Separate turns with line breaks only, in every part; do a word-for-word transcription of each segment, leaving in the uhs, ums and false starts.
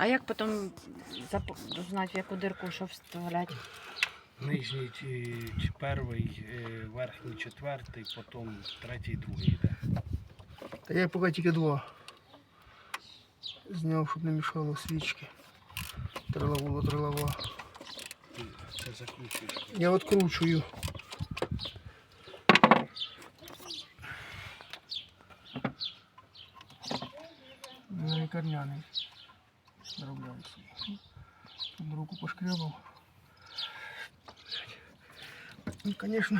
А як потім зап- знати, в яку дирку що вставляти?
Нижній чи, чи перший, е, верхній четвертий, потім третій, другий йде.
Та я поки тільки два зняв, щоб не мішало свічки. Трилавула, трилава.
Ти це закручуєш.
Я відкручую. Я лікарняний. Заробляю собі. Тут руку пошкрябав. Ну, звісно.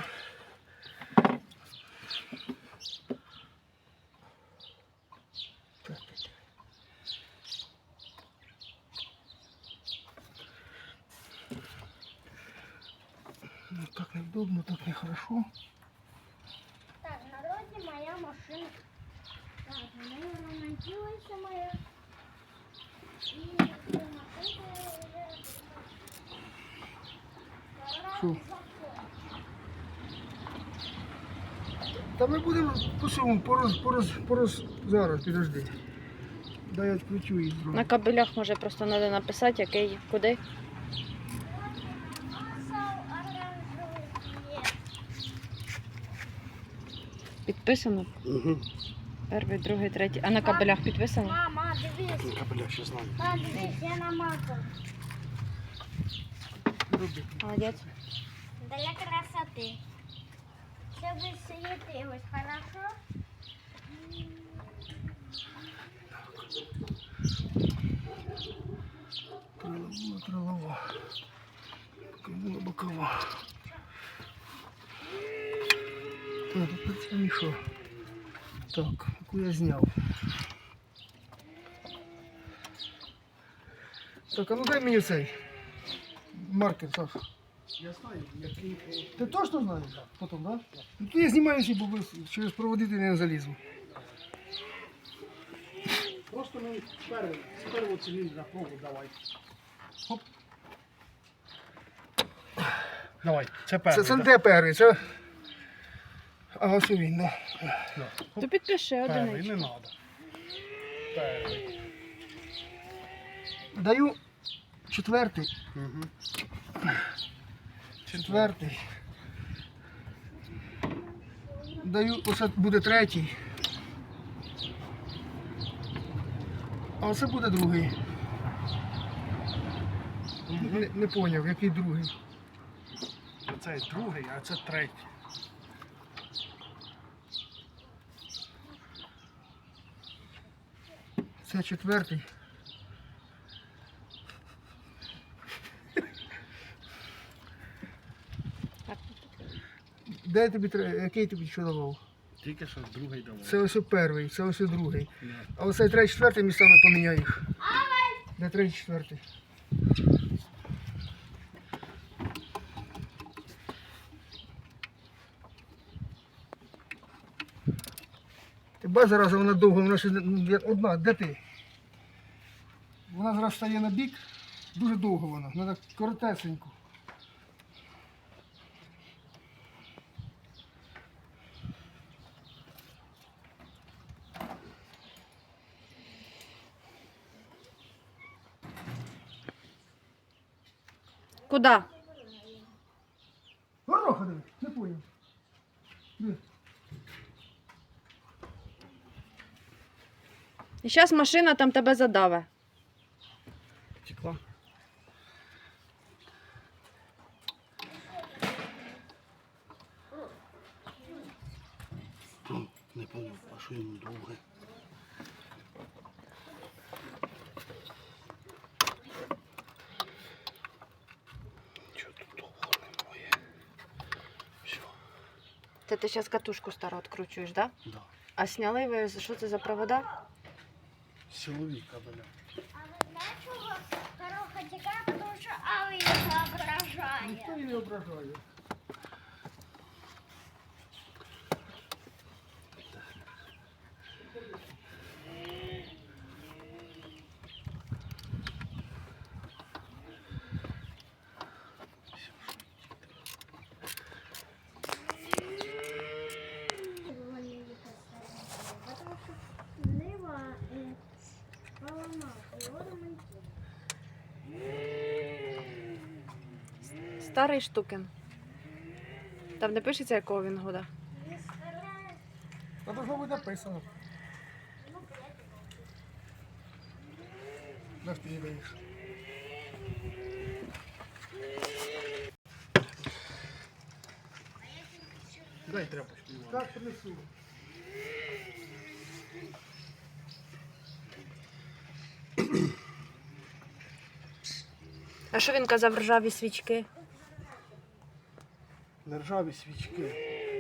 Так. Ну, так неудобно, так нехорошо.
Так, народі моя машина. Так, вона ремонтується моя. І ця машинка вже...
Що? Та ми будемо по цьому, пороз, пороз, пороз, зараз, підожди. Дай я відключу її
На
зробити.
кабелях може просто треба написати, який, куди. Підписано?
Угу.
Перший, другий, третій. А на кабелях підписано?
Мама, дивись.
Кабеля ще знаю.
Мама, дивись, я намазав.
Роби.
Молодець.
Для красоти. Щоб світилось, хорошо?
Трилова, трилова. Бокова, бокова. Так, тепер це мішо. Так, яку я зняв. Так, а ну дай мені цей маркер, Саш.
Я знаю, який...
Ти точно знаєш? Так. Потім, так? Да? Ну то я знімаю всі, бо ви через проводити не залізу.
Просто ми перший, з першого циліндра пробу давай. Хоп. Давай, це
Це,
перший.
це не
да?
те перший, це... А ось і він, так.
Да.
То
Хоп.
підпиши
Перший,
одиничку.
не треба. Перший.
Да. Даю четвертий.
Угу.
Четвертий. Даю, оце буде третій. А оце буде другий. Не, не поняв, який другий.
Оце другий, а це третій.
Це четвертий.
Так.
Де я тобі тре- який тобі що давав?
Тільки що другий давай.
Це ось перший, це ось другий.
Да.
А оце третій, четвертий місцями поміняю їх. Де третій, четвертий? Ти бачиш, зараз вона довго, вона ще не- одна, де ти? Вона зараз стає на бік, дуже довго вона, треба коротесенько.
Куди?
Гороха диви, не поняв. Диви.
І зараз машина там тебе задаве.
Текла. Ну, не поняв, а що йому довге? Чого тут довго немає? Все,
Це ти зараз катушку стару відкручуєш, так? Да?
да.
А сняли ви, що це за провода?
Силові кабеля.
А ви знаєте, чого короха тікає, тому що Ава їх ображає.
Ніхто її не ображає.
Потому що нива поламав, його ремонтує.
старий штукин. Там не пишеться, якого він года.
Та должно бути написано. На що ти не даєш?
Дай тряпочку. Іван.
Так, принесу.
А що він казав, ржаві свічки?
Нержаві свічки.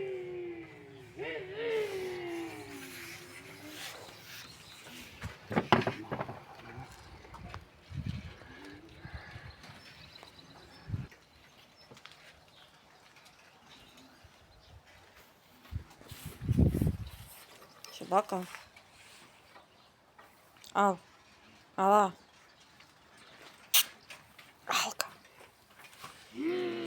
Собака. Ав. Ала. Алка.